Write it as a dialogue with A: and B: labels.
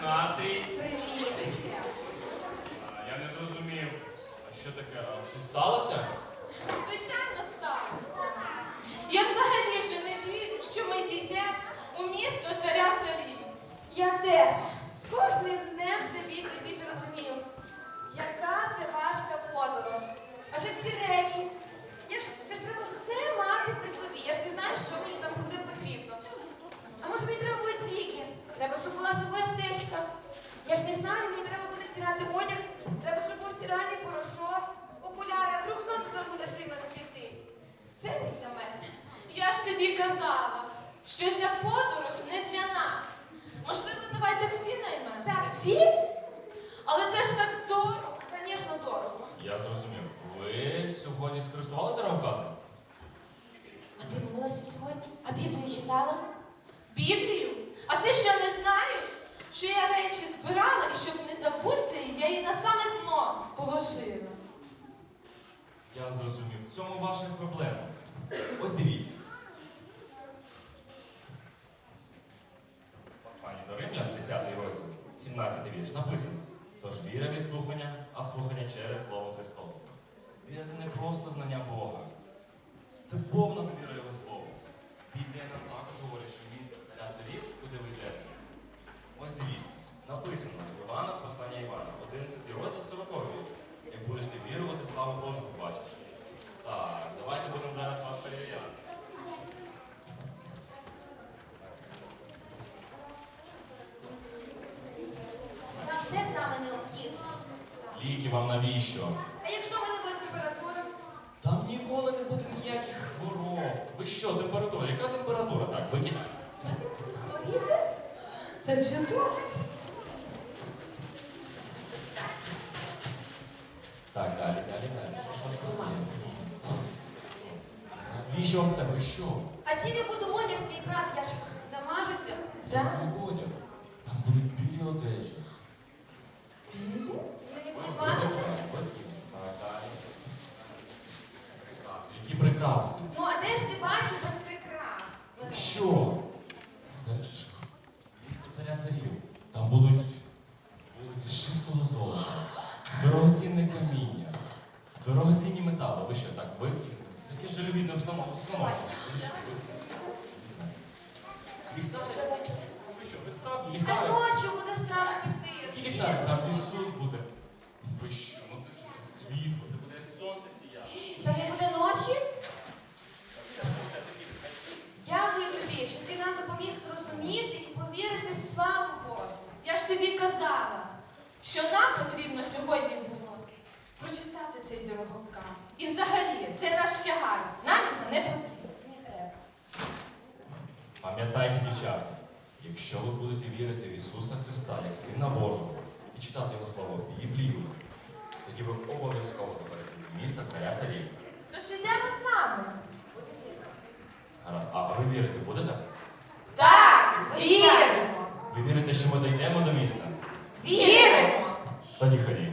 A: настрій?
B: Привіт.
A: Я не зрозумів. А що таке? Щось сталося?
C: Звичайно, сталося. Я взагалі вже не вірю, що ми дійдемо у місто царя царів.
B: Я теж. З кожним днем все більше і більше розумію, яка це важка подорож. Адже ці речі, це ж треба все мати при собі. Я ж не знаю, що мені там буде потрібно. А може мені треба будуть ліки? Треба, щоб була собою аптечка. Я ж не знаю, мені треба буде стирати одяг, треба, щоб був стиральний порошок, окуляри, а вдруг сонце там буде сильно світити. Це не для мене.
C: Я ж тобі казала, що ця подорож не для нас. Можливо, давай таксі наймемо?
B: Таксі?
C: Але це ж так дорого.
B: Звісно, дорого.
A: Я зрозумів. Ви сьогодні скористувалися дороговказом?
B: А ти молилася сьогодні? А Біблію читала?
C: Біблію? А ти що не знаєш, що я речі збирала і щоб не забутися, я її на саме дно положила?
A: Я зрозумів. В цьому ваша проблема. Ось дивіться. Послання до Римлян, 10 розділ, 17 вірш, написано: тож віра від слухання, а слухання через Слово Христове. Віра – це не просто знання Бога. Це повна довіра Його Слову. Біблія нам також говорить, що місто царя царів, куди ви йдете. Ось дивіться, написано Івана, послання Івана, 11 розділ, 40 вірш. Як будеш ти вірувати, славу Божу побачиш. Так, давайте будемо зараз вас перевіряти.
B: Там все саме необхідно.
A: Ліки вам навіщо?
B: А якщо в мене буде температура?
A: Там ніколи не буде ніяких хвороб. Ви що, температура? Яка температура? Так, викинь.
B: Я не буду хворіти?
C: Це чудово.
A: Так, далі. Що ж вас тримає? Навіщо вам це? Ви що?
B: А чим я буду одяг свій брати? Я ж замажуся.
A: Який одяг? Там будуть білі одежі.
B: Мені буде мазати.
A: Так, далі. Прикраси. Які прикраси?
B: Ну а де ж ти бачив без прикрас?
A: Що? Це ж місто царя царів. Там будуть вулиці з чистого золота, дорогоцінне каміння, дорогоцінні метали. Ви що, так викинете? Таке жалюгідне установлення. Ліхтарик? Ви що, ви справді
B: А
A: ліхтарик?
B: ночі буде страшно йти.
A: Який ліхтарик? Там Ісус буде. Ви що? Ну це ж це світло, це буде як сонце сіяти.
B: Там не буде ночі? Дякую тобі, що ти нам допоміг зрозуміти і повірити в славу Божу.
C: Я ж тобі казала, що нам потрібно сьогодні було прочитати цей дороговказ. І взагалі, це наш тягар. Нам його не потрібно.
B: Не треба.
A: Пам'ятайте, дівчата, якщо ви будете вірити в Ісуса Христа як Сина Божого і читати Його Слово Біблію, тоді ви обов'язково доберете з міста царя царів.
C: Тож ідемо з нами.
B: Буде вірно.
A: Гаразд, а ви вірити будете?
C: Так,
B: звичайно.
C: віримо.
A: Ви вірите, що ми дійдемо до міста?
C: Віримо.
A: Тоді ходіть.